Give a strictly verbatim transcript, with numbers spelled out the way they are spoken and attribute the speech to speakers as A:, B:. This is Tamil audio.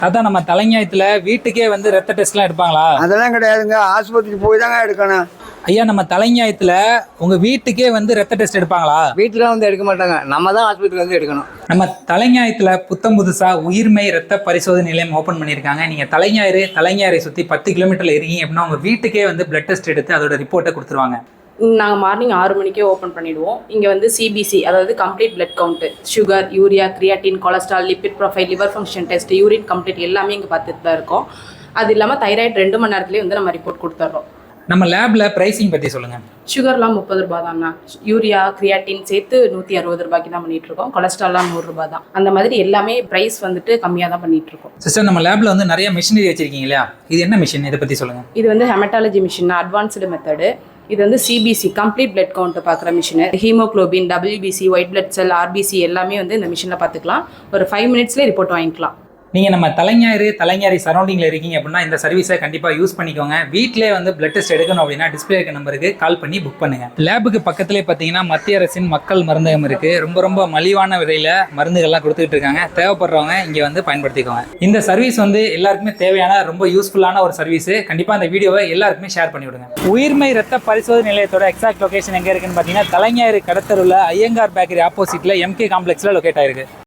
A: அதான் நம்ம தலைஞாயத்துல வீட்டுக்கே வந்து ரத்த டெஸ்ட்லாம் எடுப்பாங்களா?
B: அதெல்லாம் கிடையாதுங்க, ஆஸ்பத்திரிக்கு போய் தாங்க எடுக்கணும்.
A: ஐயா, நம்ம தலைஞாயத்துல உங்க வீட்டுக்கே வந்து ரத்த டெஸ்ட் எடுப்பாங்களா?
C: வீட்டுல வந்து எடுக்க மாட்டாங்க, நம்ம தான் ஆஸ்பத்திரியில் வந்து எடுக்கணும்.
A: நம்ம தலைஞாயத்துல புத்தம் புதுசா உயிர்மை ரத்த பரிசோதனை நிலையம் ஓப்பன் பண்ணியிருக்காங்க. நீங்க தலைஞாயிறு தலைஞாயிறை சுத்தி பத்து கிலோமீட்டர்ல இருக்கீங்க அப்படின்னா உங்க வீட்டுக்கே வந்து பிளட் டெஸ்ட் எடுத்து அதோட ரிப்போர்ட்டை கொடுத்துருவாங்க.
D: நாங்கள் மார்னிங் ஆறு மணிக்கே ஓப்பன் பண்ணிவிடுவோம். இங்கே வந்து சிபிசி, அதாவது complete blood count, sugar, urea, creatinine, cholesterol, lipid profile, liver function test, urine complete எல்லாமே இங்கே பார்த்துட்டு தான் இருக்கோம். அது இல்லாமல் தைராய்டு ரெண்டு மணி நேரத்துலேயே வந்து நம்ம ரிப்போர்ட் கொடுத்துட்றோம்.
A: நம்ம லேப்ல பிரைசிங் பத்தி சொல்லுங்க.
D: சுகர்லாம் முப்பது ரூபா தான்ண்ணா, யூரியா கிரியாட்டின் சேர்த்து நூற்றி அறுபது ரூபாய்க்கு தான் பண்ணிட்டு இருக்கோம். கொலஸ்ட்ரால்லாம் நூறு ரூபாய் தான். அந்த மாதிரி எல்லாமே ப்ரைஸ் வந்துட்டு கம்மியாக தான் பண்ணிட்டு இருக்கோம்.
A: சிஸ்டர், நம்ம லேப்ல வந்து நிறைய மிஷினரி வச்சிருக்கீங்க இல்லையா? இது என்ன மிஷின், இதை பத்தி சொல்லுங்க.
D: இது வந்து ஹெமட்டாலஜி மிஷின், அட்வான்ஸ்டு மெத்தடு. இது வந்து சிபிசி, கம்ப்ளீட் பிளட் கவுண்ட் பார்க்குற machine. Haemoglobin, WBC, white blood cell, RBC எல்லாமே வந்து இந்த மிஷினில் பார்த்துக்கலாம். ஒரு ஃபைவ் மினிட்ஸ்லேயே ரிப்போர்ட் வாங்கிக்கலாம்.
A: நீங்கள் நம்ம தலைஞாயிறு தலைஞாயிறு சரௌண்டிங்கில் இருக்கீங்க அப்படின்னா இந்த சர்வீஸை கண்டிப்பாக யூஸ் பண்ணிக்கோங்க. வீட்டிலே வந்து பிளட் டெஸ்ட் எடுக்கணும் அப்படின்னா டிஸ்பிளே இருக்க நம்பருக்கு கால் பண்ணி புக் பண்ணுங்க. லேபுக்கு பக்கத்துலேயே பார்த்தீங்கன்னா மத்திய அரசின் மக்கள் மருந்தகம் இருக்குது. ரொம்ப ரொம்ப மலிவான விலையில் மருந்துகள்லாம் கொடுத்துட்டு இருக்காங்க. தேவைப்படுறவங்க இங்கே வந்து பயன்படுத்திக்கோங்க. இந்த சர்வீஸ் வந்து எல்லாருக்குமே தேவையான ரொம்ப யூஸ்ஃபுல்லான ஒரு சர்வீஸ். கண்டிப்பாக அந்த வீடியோவை எல்லாருக்குமே ஷேர் பண்ணி விடுங்க. உயிர்மை ரத்த பரிசோதனை நிலையத்தோட எக்ஸாக்ட் லொகேஷன் எங்கே இருக்குன்னு பார்த்தீங்கன்னா தலைஞாயிறு கடத்தருள்ள ஐயங்கார் பேக்கரி ஆப்போசிட்டில் எம்கே காம்ப்ளெக்ஸில் லொக்கேட் ஆயிருக்கு.